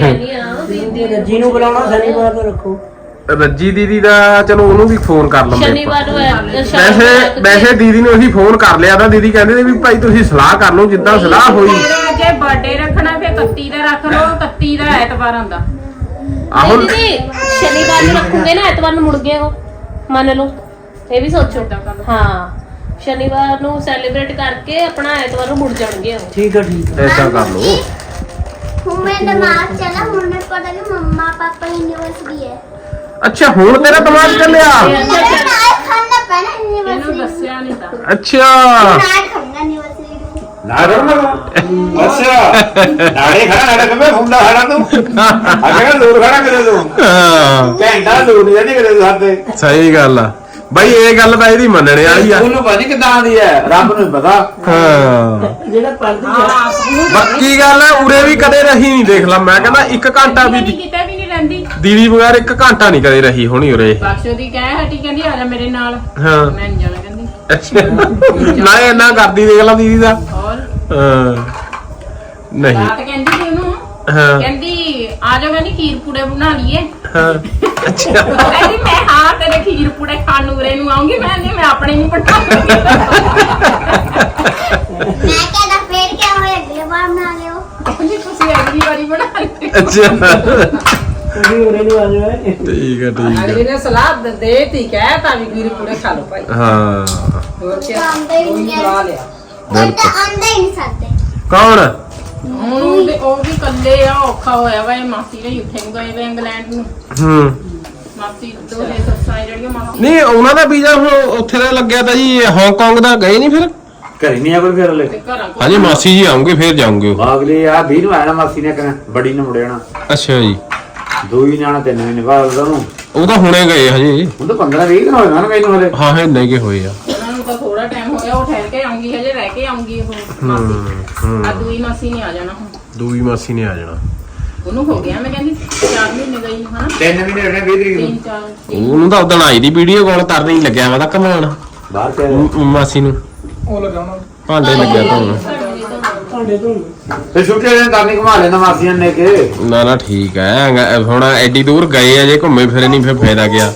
[SPEAKER 3] ਜਿਹਨੂੰ ਬੁਲਾਉਣਾ ਸ਼ਨੀਵਾਰ ਨੂੰ ਰੱਖੋ
[SPEAKER 1] ਰੱਜੀ ਦੀਦੀ ਦਾ ਚਲੋ ਉਹਨੂੰ ਵੀ ਫੋਨ ਕਰ ਲੈਂਦੇ
[SPEAKER 3] ਸ਼ਨੀਵਾਰ ਨੂੰ
[SPEAKER 1] ਵੈਸੇ ਦੀਦੀ ਨੂੰ ਅਸੀਂ ਫੋਨ ਕਰ ਲਿਆ ਤਾਂ ਦੀਦੀ ਕਹਿੰਦੇ ਨੇ ਵੀ ਭਾਈ ਤੁਸੀਂ ਸਲਾਹ ਕਰ ਲਓ ਜਿੱਦਾਂ ਸਲਾਹ ਹੋਈ
[SPEAKER 7] ਜੇ ਬਰਥਡੇ ਰੱਖਣਾ ਫਿਰ 31 ਦਾ ਰੱਖ ਲਓ 31 ਦਾ ਐਤਵਾਰ ਆਉਂਦਾ
[SPEAKER 1] ਆਹੋ
[SPEAKER 3] ਦੀਦੀ ਸ਼ਨੀਵਾਰ ਨੂੰ ਰੱਖੂਗੇ ਨਾ ਐਤਵਾਰ ਨੂੰ ਮੁੜ ਗਏ ਉਹ ਮੰਨ ਲਓ ਇਹ ਵੀ ਸੋਚੋ ਹਾਂ ਸ਼ਨੀਵਾਰ ਨੂੰ ਸੈਲੀਬ੍ਰੇਟ ਕਰਕੇ ਆਪਣਾ ਐਤਵਾਰ ਨੂੰ ਮੁੜ ਜਾਣਗੇ ਉਹ
[SPEAKER 1] ਐਸਾ ਕਰ ਲਓ
[SPEAKER 6] ਹੁਣ ਮੈਂ ਦਿਮਾਗ ਚਲਾ ਹੁਣ ਮੈਨੂੰ ਪਤਾ ਕਿ ਮੰਮਾ ਪਾਪਾ ਯੂਨੀਵਰਸਿਟੀ ਹੈ
[SPEAKER 1] ਅੱਛਾ ਹੁਣ ਤੇਰਾ ਦਿਮਾਗ ਚੱਲਿਆ
[SPEAKER 6] ਮੈਂ ਨਾਲ ਖਾਣਾ ਪੈਣਾ
[SPEAKER 7] ਇਹਨੂੰ
[SPEAKER 6] ਯੂਨੀਵਰਸਿਟੀ
[SPEAKER 7] ਦੱਸਿਆ ਨਹੀਂ ਤਾਂ
[SPEAKER 1] ਅੱਛਾ
[SPEAKER 6] ਨਾਲ ਖਾਣਾ ਯੂਨੀਵਰਸਿਟੀ
[SPEAKER 2] ਨਾ ਰੋਣਾ ਅੱਛਾ ਨਾਲੇ ਖੜਾ ਨਾਲੇ ਕਮੇ ਫੁੰਦਾ ਖੜਾ ਤੂੰ ਅੱਗੇ ਦੂਰ ਖੜਾ ਕਿਤੇ ਤੂੰ
[SPEAKER 1] ਹਾਂ,
[SPEAKER 2] ਘੰਟਾ ਦੂਰ ਨਹੀਂ ਜਾਂਦੀ ਕਿਤੇ ਤੂੰ ਸਾਡੇ
[SPEAKER 1] ਸਹੀ ਗੱਲ ਆ ਬਈ ਇਹ ਗੱਲ ਤਾਂ ਇਹਦੀ ਮੰਨਣੇ ਵਾਲੀ ਆ।
[SPEAKER 2] ਉਹਨੂੰ ਪਤਾ ਨਹੀਂ ਕਿੱਦਾਂ ਦੀ ਹੈ, ਰੱਬ ਨੂੰ ਪਤਾ।
[SPEAKER 1] ਹਾਂ
[SPEAKER 8] ਜਿਹੜਾ ਪੜਦੀ
[SPEAKER 1] ਬਾਕੀ ਗੱਲ ਹੈ ਉਰੇ ਵੀ ਕਦੇ ਰਹੀ ਨਹੀਂ, ਦੇਖ ਲਾ ਮੈਂ ਕਹਿੰਦਾ 1 ਘੰਟਾ ਵੀ
[SPEAKER 7] ਕਿਤੇ ਵੀ ਨਹੀਂ ਰਹਿੰਦੀ।
[SPEAKER 1] ਦੀਦੀ ਬਗੈਰ 1 ਘੰਟਾ ਨਹੀਂ ਕਦੇ ਰਹੀ ਹੋਣੀ ਉਰੇ।
[SPEAKER 7] ਬਖਸ਼ੋ ਦੀ ਕਹਿ ਹਟੀ ਕਹਿੰਦੀ ਆ ਜਾ ਮੇਰੇ ਨਾਲ,
[SPEAKER 1] ਹਾਂ
[SPEAKER 7] ਮੈਂ ਨਹੀਂ ਜਾਣਾ ਕਹਿੰਦੀ।
[SPEAKER 1] ਨਾ ਇੰਨਾ ਕਰਦੀ ਦੇਖ ਲਾ ਦੀਦੀ ਦਾ।
[SPEAKER 7] ਹੋਰ
[SPEAKER 1] ਨਹੀਂ
[SPEAKER 7] ਰਾਤ ਕਹਿੰਦੀ ਸੀ ਉਹਨੂੰ,
[SPEAKER 1] ਹਾਂ
[SPEAKER 7] ਕਹਿੰਦੀ ਆ ਜਾ ਕਹਿੰਦੀ ਖੀਰ ਪੂੜੇ ਬਣਾ ਲਈਏ।
[SPEAKER 1] ਹਾਂ ਅੱਛਾ
[SPEAKER 7] ਕਹਿੰਦੀ ਮੈਂ ਹਾਂ ਤੇਰੇ ਖੀਰ ਪੂੜੇ ਖਾਣ ਨੂੰ ਉਰੇ ਨੂੰ ਆਉਂਗੀ। ਮੈਂ ਨਹੀਂ, ਮੈਂ ਆਪਣੇ ਨਹੀਂ ਬਣਾਉਂਗੀ।
[SPEAKER 6] ਮੈਂ ਕਹਿੰਦਾ ਫੇਰ ਕਿਆ ਹੋਇਆ, ਅਗਲੇ ਵਾਰ ਬਣਾ ਲਿਓ।
[SPEAKER 7] ਕਹਿੰਦੀ ਤੁਸੀਂ ਅਗਲੀ ਵਾਰੀ ਬਣਾ ਲਿਓ।
[SPEAKER 1] ਅੱਛਾ
[SPEAKER 8] ਉਹਦੀ ਉਰੇ ਨੂੰ ਆ ਜਾਵੇ।
[SPEAKER 1] ਠੀਕ ਹੈ ਠੀਕ
[SPEAKER 9] ਅਗਲੀ
[SPEAKER 1] ਹੈ।
[SPEAKER 9] ਨੇ ਸਲਾਹ ਦੇ ਤੀ ਕਹਿ ਤਾਂ ਵੀ ਖੀਰ ਪੂੜੇ ਖਾ ਲਓ ਭਾਈ।
[SPEAKER 1] ਹਾਂ
[SPEAKER 9] ਹੋਰ ਕੀ
[SPEAKER 6] ਆਉਂਦਾ ਹੀ ਨਹੀਂ
[SPEAKER 9] ਖਵਾ ਲਿਆ।
[SPEAKER 6] ਉਹ ਤਾਂ ਆਉਂਦਾ ਹੀ ਨਹੀਂ ਸਕਦੇ।
[SPEAKER 1] ਕੌਣ?
[SPEAKER 7] ਹੁਣ ਉਹ ਵੀ ਇਕੱਲੇ ਆ, ਔਖਾ ਹੋਇਆ ਵਾ। ਇਹ ਮਾਸੀ ਨੇ ਉੱਥੇ ਨੂੰ ਗਏ ਵੇ ਇੰਗਲੈਂਡ ਨੂੰ।
[SPEAKER 1] ਹੂੰ
[SPEAKER 7] ਮਾਸੀ ਦੋਹੇ ਸੱਸਾਂ ਜਿਹੜੀਆਂ ਮਾਸੀ
[SPEAKER 1] ਨਹੀਂ ਉਹਨਾਂ ਦਾ ਵੀਜ਼ਾ ਹੁਣ ਉੱਥੇ ਦਾ ਲੱਗਿਆ ਤਾਂ ਜੀ, ਹਾਂਗਕਾਂਗ ਦਾ ਗਏ ਨਹੀਂ ਫਿਰ?
[SPEAKER 2] ਘਰੇ ਨਹੀਂ ਆ ਕੋਈ ਫਿਰ ਲੈ
[SPEAKER 7] ਤੇ ਘਰਾਂ ਕੋਲ।
[SPEAKER 1] ਹਾਂਜੀ ਮਾਸੀ ਜੀ ਆਉਂਗੇ ਫਿਰ ਜਾਉਂਗੇ।
[SPEAKER 2] ਅਗਲੇ ਆ 20 ਨੂੰ ਆਣਾ ਮਾਸੀ ਨੇ ਕਹਿਣਾ, ਬੜੀ ਨੂੰ ਮੁੜਿਆਣਾ
[SPEAKER 1] ਅੱਛਾ ਜੀ
[SPEAKER 2] 2 ਹੀ ਜਾਣਾ 3 ਮਹੀਨੇ ਬਾਅਦ ਉਹਨੂੰ।
[SPEAKER 1] ਉਹ ਤਾਂ ਹੁਣੇ ਗਏ ਹਜੇ।
[SPEAKER 2] ਹੁਣ ਤਾਂ 15-20 ਦਿਨ ਹੋਏ ਨਾ ਮੈਨੂੰ ਹਲੇ।
[SPEAKER 1] ਹਾਂ ਹੈ ਨਹੀਂ ਕਿ ਹੋਏ ਆ।
[SPEAKER 7] ਉਹਨਾਂ ਨੂੰ ਤਾਂ ਥੋੜਾ ਟਾਈਮ ਹੋਇਆ, ਉਹ ਠਹਿਰ ਕੇ ਆਉਂਗੀ, ਹਜੇ ਰਹਿ ਕੇ ਆਉਂਗੀ ਉਹ ਮਾਸੀ। ਆ ਦੂਈ ਮਾਸੀ ਨੇ ਆ ਜਾਣਾ ਹੁਣ।
[SPEAKER 1] ਦੂਈ ਮਾਸੀ ਨੇ ਆ ਜਾਣਾ।
[SPEAKER 7] ਉਹਨੂੰ ਹੋ ਗਿਆ ਮੈਂ ਕਹਿੰਦੀ 4 ਮਹੀਨੇ ਗਈ ਨੂੰ, ਹਨਾ
[SPEAKER 2] 3 ਮਹੀਨੇ ਹੋਣੇ 20 ਤਰੀਕ ਨੂੰ
[SPEAKER 7] 3-4
[SPEAKER 1] ਉਹਨੂੰ ਤਾਂ ਉਦੋਂ ਆਈ ਦੀ ਵੀਡੀਓ ਕਾਲ ਕਰਨ ਹੀ ਲੱਗਿਆ ਵਾ ਤਾਂ ਕਮਾਣ
[SPEAKER 2] ਬਾਹਰ ਤੇ
[SPEAKER 1] ਮਾਸੀ ਨੂੰ
[SPEAKER 4] ਉਹ ਲਗਾਉਣਾ
[SPEAKER 1] ਭਾਂਡੇ ਲੱਗਿਆ ਤੁਹਾਨੂੰ।
[SPEAKER 8] ਤੁਹਾਡੇ ਤੋਂ
[SPEAKER 2] ਤੇ ਛੁੱਟੇ ਦਿਨ ਕਰਨੀ ਘੁਮਾ ਲੈਂਦਾ ਮਾਸੀਆਂ ਨੇ ਕੇ।
[SPEAKER 1] ਨਾ ਨਾ ਠੀਕ ਹੈ। ਹੁਣ ਐਡੀ ਦੂਰ ਗਏ ਆ, ਜੇ ਘੁੰਮੇ ਫਿਰੇ ਨਹੀਂ ਫਿਰ ਫਾਇਦਾ ਗਿਆ।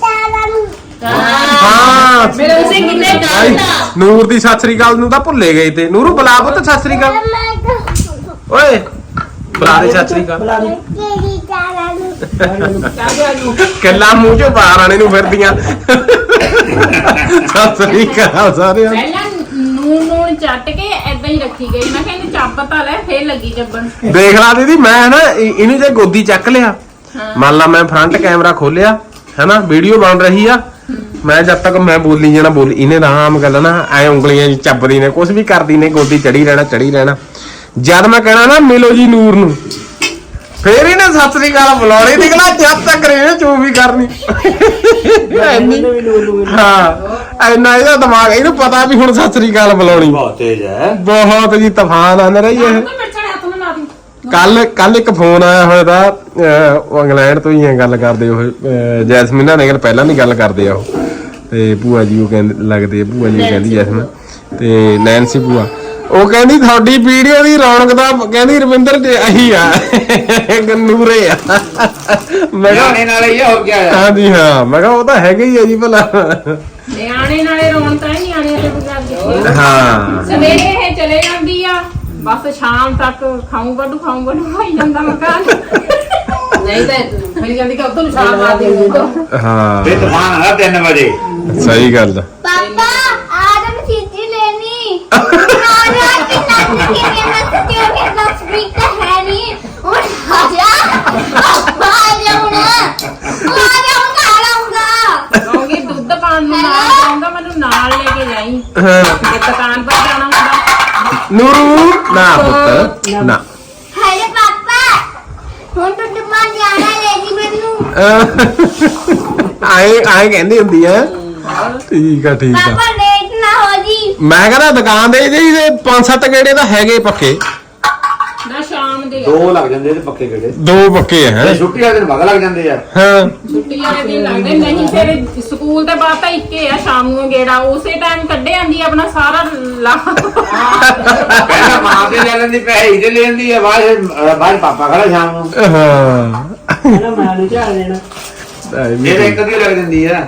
[SPEAKER 1] ਹਾਂ
[SPEAKER 3] ਮੇਰੇ ਉਸੇ ਕਿੰਨੇ
[SPEAKER 1] ਭਾਈ, ਨੂਰ ਦੀ ਸਤਿ ਸ੍ਰੀ ਅਕਾਲ ਨੂੰ ਤਾਂ ਭੁੱਲੇ ਗਏ ਤੇ। ਨੂਰੂ ਬੁਲਾ ਪੁੱਤ ਸਤਿ ਸ੍ਰੀ ਅਕਾਲ। ਓਏ ਬੁਲਾ ਦੇ ਸਤਿ ਸ੍ਰੀ ਅਕਾਲ।
[SPEAKER 8] ਬੁਲਾ ਦੇ।
[SPEAKER 6] ਕਿਹੜੀ ਚਾਲਾਂ ਨੂੰ
[SPEAKER 1] ਕੱਲਾ ਮੂੰਹ ਚੋਂ ਬਾਹਰ ਆਣੇ ਨੂੰ ਫਿਰਦੀਆਂ। ਸਤਿ ਸ੍ਰੀ ਅਕਾਲ ਸਾਰਿਆਂ ਨੂੰ।
[SPEAKER 7] ਪਹਿਲਾਂ ਨੂਨ ਚੱਟ ਕੇ ਏਦਾਂ ਹੀ ਰੱਖੀ ਗਈ। ਮੈਂ ਕਹਿੰਦੀ ਚੱਪ ਤਾਂ ਲੈ, ਫੇਰ ਲੱਗੀ ਜੱਬਣ।
[SPEAKER 1] ਦੇਖ ਲਾ ਦੀਦੀ, ਮੈਂ ਨਾ ਇਹਨੂੰ ਜੇ ਗੋਦੀ ਚੱਕ ਲਿਆ, ਮੰਨ ਲਾ ਮੈਂ ਫਰੰਟ ਕੈਮਰਾ ਖੋਲਿਆ ਹੈਨਾ, ਵੀਡੀਓ ਬਣ ਰਹੀ ਆ, ਮੈਂ ਜਦ ਤੱਕ ਮੈਂ ਬੋਲੀ ਜਾਣਾ ਬੋਲੀ, ਇਹਨੇ ਆਰਾਮ ਗੱਲ ਨਾ ਐ ਉਂਗਲੀਆਂ ਜੀ ਚੱਬਦੀ ਨੇ, ਕੁਝ ਵੀ ਕਰਦੀ ਨੇ, ਗੋਦੀ ਚੜੀ ਰਹਿਣਾ। ਜਦ ਮੈਂ ਕਹਿਣਾ ਨਾ ਮਿਲੋ ਜੀ ਨੂਰ ਨੂੰ, ਫੇਰ ਇਹਨੇ ਸਤਿ ਸ੍ਰੀ ਅਕਾਲ ਬੁਲਾਉਣੀ। ਨਿਕਲਾ ਜਦ ਤੱਕ ਇਹਨੇ ਚੂੰ ਵੀ ਕਰਨੀ।
[SPEAKER 8] ਮੈਨੂੰ ਵੀ ਨੂੰ
[SPEAKER 1] ਹਾਂ ਇੰਨਾ ਇਹਦਾ ਦਿਮਾਗ, ਇਹਨੂੰ ਪਤਾ ਵੀ ਹੁਣ ਸਤਿ ਸ੍ਰੀ ਅਕਾਲ ਬੁਲਾਉਣੀ।
[SPEAKER 2] ਬਹੁਤ ਤੇਜ਼ ਹੈ।
[SPEAKER 1] ਬਹੁਤ ਜੀ ਤੂਫਾਨ ਆਂਦੇ ਰਹੀ ਇਹ।
[SPEAKER 7] ਮਿਰਚਾਂ ਹੱਥ ਨਾਲ ਲਾ ਦੀ।
[SPEAKER 1] ਕੱਲ ਇੱਕ ਫੋਨ ਆਇਆ ਹੋਇਆ ਦਾ, ਉਹ ਇੰਗਲੈਂਡ ਤੋਂ ਹੀ ਗੱਲ ਕਰਦੇ ਉਹ, ਜੈਸਮੀਨਾ ਨੇ ਪਹਿਲਾਂ ਦੀ ਗੱਲ ਕਰਦੇ ਆ ਉਹ, ਤੇ ਭੂਆ ਜੀ ਉਹ ਕਹਿੰਦੇ ਲੱਗਦੇ ਆ, ਭੂਆ ਜੀ ਕਹਿੰਦੀ ਜੈਸਮੀਨ ਤੇ ਨੈਨਸੀ ਭੂਆ, ਉਹ ਕਹਿੰਦੀ ਤੁਹਾਡੀ ਵੀਡੀਓ ਦੀ ਰੌਣਕ ਦਾ ਕਹਿੰਦੀ ਰਵਿੰਦਰ ਤੇ ਅਹੀ ਆ ਨੂਰੇ ਆ। ਮੈਂ ਕਿਹਾ
[SPEAKER 2] ਨਿਆਣੇ ਨਾਲ ਹੀ ਆ, ਹੋਰ ਕੀ ਆ।
[SPEAKER 1] ਹਾਂਜੀ ਹਾਂ, ਮੈਂ ਕਿਹਾ ਉਹ ਤਾਂ ਹੈਗਾ ਹੀ ਆ ਜੀ ਭਲਾ।
[SPEAKER 7] ਨਿਆਣੇ ਨਾਲੇ ਰੌਣਕਾਂ ਹੀ ਨਿਆਣੇ ਤੇ ਬਗਾਰ ਦਿੱਤੀ।
[SPEAKER 1] ਹਾਂ
[SPEAKER 7] ਸਵੇਰੇ ਇਹ ਚਲੇ ਜਾਂਦੀ ਆ, ਬਸ ਸ਼ਾਮ ਤੱਕ ਖਾਉਂ ਬੱਡੂ ਹੋਈ ਜਾਂਦਾ ਮਕਾਨ।
[SPEAKER 9] ਨਹੀਂ ਤਾਂ ਫਿਰ ਕਹਿੰਦੀ ਕਿ ਉਦੋਂ ਨੂੰ ਛਾਲ ਮਾਰ ਦੇ।
[SPEAKER 1] ਹਾਂ
[SPEAKER 2] ਇਹ ਤੂਫਾਨ ਆ 3 ਵਜੇ।
[SPEAKER 1] ਸਹੀ ਗੱਲ।
[SPEAKER 6] ਪਾਪਾ आज हम चीज़ी लेनी आज कि नस के नस के नस स्पीकर है नहीं और आजा खा लाऊंगा
[SPEAKER 7] ਕਹੂੰਗੀ ਦੁੱਧ ਪਾਣ ਨੂੰ ਨਾਲ ਜਾਊਂਗਾ, ਮੈਨੂੰ ਨਾਲ ਲੈ ਕੇ ਜਾਈ। ਜੇ ਦੁਕਾਨ ਪਰ ਜਾਣਾ ਹੁੰਦਾ।
[SPEAKER 1] ਨੂਰੂ ਨਾ ਪੁੱਤ ਨਾ।
[SPEAKER 6] हेलो पापा ਹੁਣ ਤੋਂ ਦੁਕਾਨ ਜਾਣਾ ਲੈ ਜੀ ਮੈਨੂੰ
[SPEAKER 1] ਆਏ ਕਹਿੰਦੀ ਹੁੰਦੀ ਆ। ਠੀਕ ਆ ਠੀਕ ਆ।
[SPEAKER 6] ਪਾਪਾ ਲੇਟ ਨਾ ਹੋ ਜੀ।
[SPEAKER 1] ਮੈਂ ਕਹਿੰਦਾ ਦੁਕਾਨ ਦੇ ਇਹਦੇ 5-7 ਗੇੜੇ ਤਾਂ ਹੈਗੇ ਪੱਕੇ।
[SPEAKER 7] ਨਾ ਸ਼ਾਮ ਦੇ ਆ।
[SPEAKER 2] 2 ਲੱਗ ਜਾਂਦੇ ਤੇ ਪੱਕੇ ਕਿਹੜੇ।
[SPEAKER 1] 2 ਪੱਕੇ ਹੈ।
[SPEAKER 2] ਤੇ ਛੁੱਟੀ ਵਾਲੇ ਦਿਨ ਵਗ ਲੱਗ ਜਾਂਦੇ ਆ।
[SPEAKER 1] ਹਾਂ
[SPEAKER 7] ਛੁੱਟੀ ਵਾਲੇ ਦਿਨ ਲੱਗਦੇ ਨਹੀਂ, ਫਿਰ ਸਕੂਲ ਦੇ ਬਾਅਦ ਤਾਂ ਇੱਕੇ ਆ ਸ਼ਾਮ ਨੂੰ ਗੇੜਾ, ਉਸੇ ਟਾਈਮ ਕੱਢੇ ਆਂਦੀ ਆਪਣਾ ਸਾਰਾ ਲਾ।
[SPEAKER 2] ਪਹਿਲਾਂ ਮਾਂ ਤੇ ਲੈ ਲੈਂਦੀ, ਪੈਸੇ ਤੇ ਲੈ ਲੈਂਦੀ ਆ, ਬਾਅਦ ਪਾਪਾ ਖੜਾ ਸ਼ਾਮ ਨੂੰ।
[SPEAKER 1] ਹਾਂ
[SPEAKER 8] ਇਹਨਾਂ ਮੈਂ ਨੂੰ ਝਾੜ ਦੇਣਾ।
[SPEAKER 2] ਇਹ ਇੱਕ ਦੀ ਲੱਗ ਜਾਂਦੀ ਆ।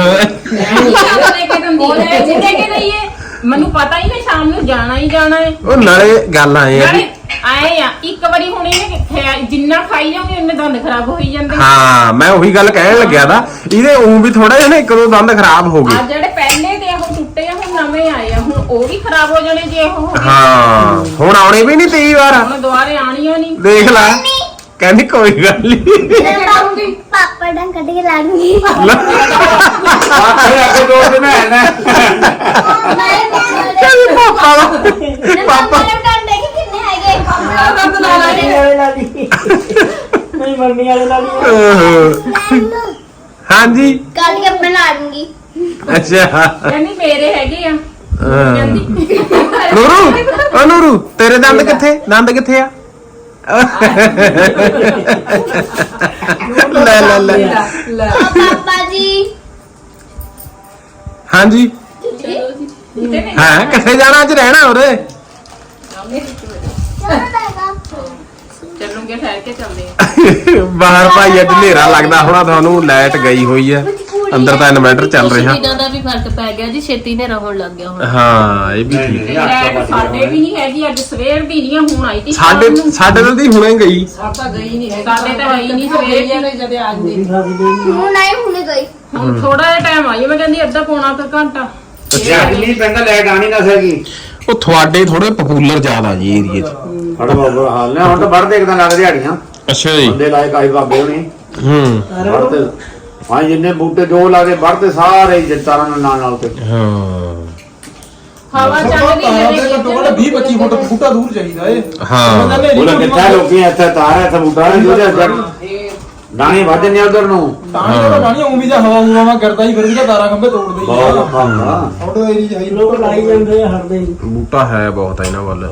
[SPEAKER 7] ਜਿੱਦੇ ਕਿ ਦਈਏ, ਮੈਨੂੰ ਪਤਾ ਹੀ ਨਾ ਸ਼ਾਮ ਨੂੰ ਜਾਣਾ ਹੀ ਜਾਣਾ ਹੈ।
[SPEAKER 1] ਉਹ ਨਾਲੇ ਗੱਲ ਆਏ ਆ
[SPEAKER 7] ਨਾਲੇ
[SPEAKER 1] ਵੀ
[SPEAKER 7] ਆਏ ਆ, ਇੱਕ ਵਾਰੀ ਹੁਣ ਇਹਨੇ ਜਿੰਨਾ ਖਾਈ ਜਾਓਗੇ ਉਹਨੇ ਦੰਦ ਖਰਾਬ ਹੋਈ ਜਾਂਦੇ।
[SPEAKER 1] ਹਾਂ ਮੈਂ ਉਹੀ ਗੱਲ ਕਹਿਣ ਲੱਗਿਆ ਦਾ, ਇਹਦੇ ਉਂ ਵੀ ਥੋੜਾ ਜਿਹਾ ਨਾ 1-2 ਦੰਦ ਖਰਾਬ ਹੋ ਗਏ।
[SPEAKER 7] ਆ ਜਿਹੜੇ ਪਹਿਲੇ ਦੇ ਉਹ ਟੁੱਟੇ ਆ, ਹੁਣ ਨਵੇਂ ਆਏ ਆ, ਹੁਣ ਉਹ ਵੀ ਖਰਾਬ ਹੋ ਜਾਣੇ ਜੇ ਉਹ ਹੋ ਗਏ।
[SPEAKER 1] ਹਾਂ ਹੁਣ ਆਉਣੇ ਵੀ ਨਹੀਂ 23 ਵਾਰ।
[SPEAKER 7] ਹੁਣ ਦੁਬਾਰੇ ਆਣੀਆਂ ਨਹੀਂ।
[SPEAKER 1] ਦੇਖ ਲੈ ਕਹਿੰਦੀ ਕੋਈ ਗੱਲ ਨਹੀਂ।
[SPEAKER 6] ਪਾਪਾ ਡੰਗ ਕੱਢ ਕੇ ਲਾ ਦੂੰਗੀ।
[SPEAKER 2] ਆਖੇ ਅੱਗੇ 2 ਦਿਨ ਹੈ ਨਾ।
[SPEAKER 1] ਕਹਿੰਦੀ ਪਾਪਾ ਦਾ
[SPEAKER 6] ਪਾਪਾ ਨੇ ਡੰਗ ਦੇਖੇ ਕਿੰਨੇ ਹੈਗੇ।
[SPEAKER 8] ਮੰਮੀ ਵਾਲੇ ਲਾ ਲਈ। ਨਹੀਂ ਮੰਮੀ ਵਾਲੇ ਲਾ ਲਈ।
[SPEAKER 1] ਹਾਂਜੀ
[SPEAKER 6] ਕੱਲ ਕੇ ਬਣਾ ਦੂੰਗੀ।
[SPEAKER 1] ਅੱਛਾ
[SPEAKER 7] ਕਹਿੰਦੀ ਮੇਰੇ ਹੈਗੇ ਆ
[SPEAKER 1] ਹਾਂ।
[SPEAKER 7] ਕਹਿੰਦੀ
[SPEAKER 1] ਨੂਰੂ ਓ ਨੂਰੂ ਤੇਰੇ ਦੰਦ ਕਿੱਥੇ ਆ ਲੈ ਲੈ ਲੈ
[SPEAKER 9] ਲੈ
[SPEAKER 6] ਓ ਪਾਪਾ ਜੀ
[SPEAKER 1] ਹਾਂਜੀ ਹਾਂ ਕਿੱਥੇ ਜਾਣਾ ਅੱਜ ਰਹਿਣਾ ਉਰੇ
[SPEAKER 6] ਚਲੋ ਦਾਦਾ
[SPEAKER 7] ਚੱਲੂਗੇ ਠਹਿਰ ਕੇ ਚੱਲਦੇ ਆ
[SPEAKER 1] ਬਾਹਰ ਭਾਈ ਅੱਜ ਹਨੇਰਾ ਲੱਗਦਾ ਹੋਣਾ ਤੁਹਾਨੂੰ ਲਾਈਟ ਗਈ ਹੋਈ ਹੈ ਅੰਦਰ ਤਾਂ ਇਨਵਰਟਰ ਚੱਲ ਰਿਹਾ
[SPEAKER 3] ਦਿਨਾਂ ਦਾ ਵੀ ਫਰਕ ਪੈ ਗਿਆ ਜੀ ਛੇਤੀ ਹਨੇਰਾ ਹੋਣ ਲੱਗ ਗਿਆ ਹੁਣ
[SPEAKER 1] ਹਾਂ ਇਹ ਵੀ ਠੀਕ ਹੈ
[SPEAKER 7] ਲੈਟ ਸਾਡੇ ਵੀ ਨਹੀਂ ਹੈਗੀ ਅੱਜ ਸਵੇਰ ਦੀ ਨਹੀਂ ਹੁਣ ਆਈ ਤੀ
[SPEAKER 1] ਸਾਡੇ ਨਾਲ ਦੀ ਹੁਣੇ ਗਈ
[SPEAKER 9] ਸਾਡਾ ਗਈ ਨਹੀਂ ਹੈ
[SPEAKER 7] ਸਾਡੇ ਤਾਂ ਹੈ ਹੀ ਨਹੀਂ ਸਵੇਰ ਦੀ
[SPEAKER 9] ਨੇ ਜਦੇ ਆ ਜਾਂਦੀ
[SPEAKER 6] ਹੁਣ ਆਈ ਹੁਣੇ ਗਈ
[SPEAKER 7] ਹੁਣ ਥੋੜਾ ਜਿਹਾ ਟਾਈਮ ਆਈ ਮੈਂ ਕਹਿੰਦੀ ਅੱਧਾ ਪੌਣਾ ਤਾਂ ਘੰਟਾ
[SPEAKER 2] ਜੇ ਅੱਜ ਮੀਂਹ ਪੈਂਦਾ ਲਾਈਟ ਆਣੀ ਨਾ ਸਕੀ
[SPEAKER 1] ਉਹ ਤੁਹਾਡੇ ਥੋੜੇ ਪਪੂਲਰ ਜ਼ਿਆਦਾ ਜੀ ਏਰੀਏ 'ਚ
[SPEAKER 2] ਬੜਾ ਬਾਬਾ ਹਾਲ ਨੇ ਹੁਣ ਤਾਂ ਵੜ ਦੇਖਦਾ ਲੱਗ ਦਿਹਾੜੀਆਂ
[SPEAKER 1] ਅੱਛਾ ਜੀ
[SPEAKER 2] ਬੰਦੇ ਲਾਏ ਕਾਈ ਬਾਬੇ ਹੋਣੀ
[SPEAKER 1] ਹੂੰ
[SPEAKER 2] ਵੜਦੇ ਹਾਂ ਜਿੰਨੇ ਬੂਟੇ ਜੋ ਲਾਦੇ ਵੜਦੇ ਸਾਰੇ ਜਤਾਰਾਂ ਨਾਲ ਤੇ
[SPEAKER 1] ਹਾਂ
[SPEAKER 7] ਹਵਾ ਚੱਲਦੀ
[SPEAKER 4] ਤਾਰਾਂ
[SPEAKER 7] ਹੈ
[SPEAKER 4] ਤੇ ਘੱਟੋ ਘੱਟ 20-25 ਫੁੱਟ ਬੂਟਾ ਦੂਰ ਚਾਹੀਦਾ ਏ
[SPEAKER 1] ਹਾਂ
[SPEAKER 2] ਉਹਨਾਂ ਕਿੱਥੇ ਲੋਕੀ ਇੱਥੇ ਤਾਰ ਇੱਥੇ ਬੂਟਾ ਨੇ ਜਿਹਦੇ ਦਾਣੇ ਵੱਧ ਨੇ ਉਧਰ ਨੂੰ
[SPEAKER 4] ਤਾਂ ਜਿਹੜਾ ਪਾਣੀ ਉਂ ਵੀ ਜਾਂ ਹਵਾ ਹਵਾ ਕਰਦਾ ਹੀ ਫਿਰ ਵੀ ਤਾਂ ਤਾਰਾਂ ਖੰਭੇ ਤੋੜਦੇ ਹੀ
[SPEAKER 2] ਬਹੁਤ
[SPEAKER 4] ਆ
[SPEAKER 2] ਔਖਾ ਹੁੰਦਾ
[SPEAKER 4] ਆਊਟ ਏਰੀਆ ਚਾਹੀਦਾ
[SPEAKER 8] ਲੋਕ ਲਾਈ ਜਾਂਦੇ ਆ ਹਰਦੇ ਹੀ
[SPEAKER 1] ਬੂਟਾ ਹੈ ਬਹੁਤ ਆ ਇਹਨਾਂ ਵੱਲ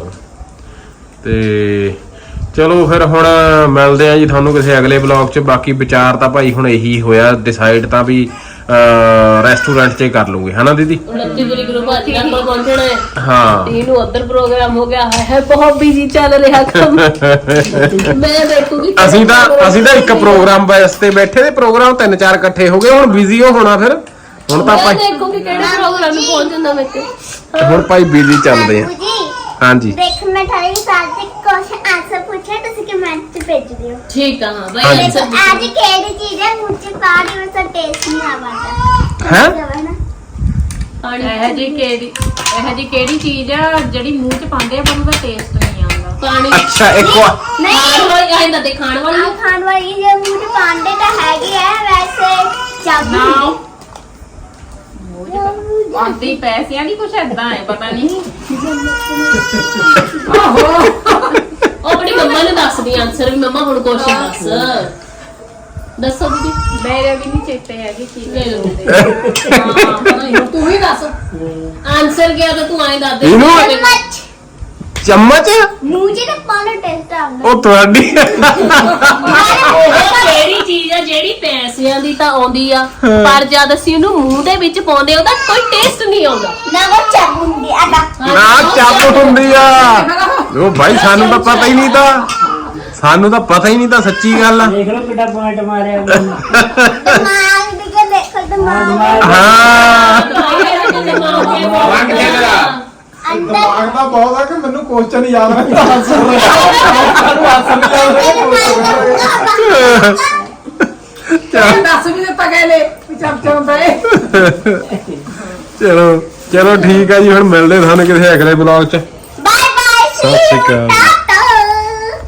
[SPEAKER 1] ਤੇ ਚਲੋ ਫਿਰ ਹੁਣ ਮਿਲਦੇ ਆ ਜੀ ਤੁਹਾਨੂੰ ਕਿਸੇ ਅਗਲੇ ਬਲੌਗ 'ਚ ਬਾਕੀ ਵਿਚਾਰ ਤਾਂ ਭਾਈ ਹੁਣ ਇਹੀ ਹੋਇਆ ਡਿਸਾਈਡ ਤਾਂ ਵੀ ਰੈਸਟੋਰੈਂਟ 'ਚ ਹੀ ਕਰ ਲੂਗੇ ਹਨਾ ਦੀਦੀ
[SPEAKER 3] 29 ਤਰੀਕ ਨੂੰ ਭਾਜੀ ਨਾਲ ਪਹੁੰਚਣਾ ਹੈ
[SPEAKER 1] ਹਾਂ
[SPEAKER 3] ਇਹਨੂੰ ਉੱਧਰ ਪ੍ਰੋਗਰਾਮ ਹੋ ਗਿਆ ਹੈ ਬਹੁਤ ਬਿਜ਼ੀ ਚੱਲ ਰਿਹਾ ਕੰਮ ਮੈਂ ਦੇਖੂਗੀ
[SPEAKER 1] ਅਸੀਂ ਤਾਂ ਇੱਕ ਪ੍ਰੋਗਰਾਮ ਵਾਸਤੇ ਬੈਠੇ ਤੇ ਪ੍ਰੋਗਰਾਮ 3-4 ਇਕੱਠੇ ਹੋ ਗਏ ਹੁਣ ਬਿਜ਼ੀ ਹੋਣਾ ਫਿਰ ਹੁਣ ਤਾਂ
[SPEAKER 3] ਮੈਂ
[SPEAKER 1] ਭਾਈ
[SPEAKER 3] ਦੇਖੂਗੀ ਕਿਹੜੇ ਪ੍ਰੋਗਰਾਮ ਨੂੰ ਪਹੁੰਚ ਜਾਂਦਾ ਮੈਂ ਤੇ
[SPEAKER 1] ਹੁਣ ਭਾਈ ਬਿਜ਼ੀ ਚੱਲਦੇ ਆ
[SPEAKER 6] ਬਾਪੂ ਜੀ
[SPEAKER 1] ਹਾਂਜੀ
[SPEAKER 6] ਦੇਖ ਮੈਂ ਤੁਹਾਡੇ ਸਾਥ ਤੇ ਕੁਐਸਚਨ ਆਨਸਰ ਪੁੱਛਿਆ ਤੁਸੀਂ ਕਮੈਂਟ 'ਚ ਭੇਜ ਦਿਓ
[SPEAKER 3] ਠੀਕ ਆ ਹਾਂ ਬਾਈ
[SPEAKER 1] ਹਾਂਜੀ।
[SPEAKER 3] ਆਨਸਰ
[SPEAKER 6] आज केड़ी चीज है मुझे पानी में से टेस्ट नहीं आता
[SPEAKER 1] हैं?
[SPEAKER 6] है ना
[SPEAKER 3] ਪਾਣੀ
[SPEAKER 7] ਇਹ ਜੀ ਕਿਹੜੀ ਚੀਜ਼ ਆ ਜਿਹੜੀ ਮੂੰਹ 'ਚ ਪਾਉਂਦੇ ਆ ਪਰ ਉਹਦਾ ਟੇਸਟ ਨਹੀਂ ਆਉਂਦਾ
[SPEAKER 3] ਪਾਣੀ
[SPEAKER 1] ਅੱਛਾ ਇੱਕ ਵਾਰ
[SPEAKER 3] ਖਾਣ ਵਾਲੀ ਆਇੰਦਾ ਤੇ ਖਾਣ ਵਾਲੀ
[SPEAKER 6] हाँ खान वाली जो मुझे पांडे का हैगी है वैसे चाबी
[SPEAKER 7] ਨਾ ਆਂਦੀ ਪੈਸਿਆਂ ਦੀ ਕੁਛ ਏਦਾਂ ਹੈ ਪਤਾ ਨਹੀਂ
[SPEAKER 3] ਉਹ ਆਪਣੀ ਮੰਮਾ ਨੂੰ ਦੱਸਦੀ ਆਨਸਰ ਵੀ ਮੰਮਾ ਹੁਣ ਕੁਐਸਚਨ ਦੱਸੋ ਦੀਦੀ
[SPEAKER 7] ਮੇਰੇ ਵੀ ਨਹੀਂ ਚੇਤੇ ਹੈਗੀ ਚੀਜ਼
[SPEAKER 3] ਲੈ ਲਓ
[SPEAKER 9] ਹੁਣ ਤੂੰ ਹੀ ਦੱਸ
[SPEAKER 3] ਆਨਸਰ ਗਿਆ ਤਾਂ ਤੂੰ ਆਏ ਦੱਸ ਦੇ
[SPEAKER 1] ਇਹਨੂੰ ਚਮਚ
[SPEAKER 6] मुझे तो पानी टेस्ट आता
[SPEAKER 1] ਉਹ ਤੁਹਾਡੀ
[SPEAKER 3] ਉਹ ਕਿਹੜੀ ਚੀਜ਼ ਆ ਜਿਹੜੀ ਪੈਸਿਆਂ ਦੀ ਤਾਂ ਆਉਂਦੀ ਆ ਪਰ ਜਦ ਅਸੀਂ ਉਹਨੂੰ ਮੂੰਹ ਦੇ ਵਿੱਚ ਪਾਉਂਦੇ ਉਹਦਾ ਕੋਈ ਟੇਸਟ ਨਹੀਂ ਆਉਂਦਾ
[SPEAKER 6] ना वो चाबुंदी आता
[SPEAKER 1] ਨਾ ਚੱਪ ਹੁੰਦੀ ਆ ਉਹ ਭਾਈ ਸਾਨੂੰ ਤਾਂ ਪਤਾ ਹੀ ਨਹੀਂ ਤਾਂ ਸਾਨੂੰ ਤਾਂ ਪਤਾ ਹੀ ਨਹੀਂ ਤਾਂ ਸੱਚੀ ਗੱਲ ਆ
[SPEAKER 8] ਦੇਖ ਲਓ ਕਿੱਡਾ ਪੁਆਇੰਟ ਮਾਰਿਆ
[SPEAKER 6] दिमाग दिखे देखो दिमाग
[SPEAKER 1] ਹਾਂ
[SPEAKER 2] ਰੰਗ ਚੱਲਦਾ
[SPEAKER 6] अंदर
[SPEAKER 4] ਦਿਮਾਗ ਤਾਂ ਬਹੁਤ ਆ ਕਿ ਮੈਨੂੰ ਕੁਐਸਚਨ ਯਾਦ ਨਹੀਂ ਆਨਸਰ ਸਾਨੂੰ ਆਨਸਰ ਨਹੀਂ ਯਾਦ
[SPEAKER 9] ਦੱਸ ਵੀ ਦਿੱਤਾ ਗਏ ਵੀ ਚਰਚਾ ਹੁੰਦਾ ਏ
[SPEAKER 1] ਚਲੋ ਠੀਕ ਆ ਜੀ ਹੁਣ ਮਿਲਦੇ ਤੁਹਾਨੂੰ ਕਿਸੇ ਅਗਲੇ ਬਲੌਗ 'ਚ
[SPEAKER 6] बाय बाय
[SPEAKER 1] ਸਤਿ ਸ਼੍ਰੀ ਅਕਾਲ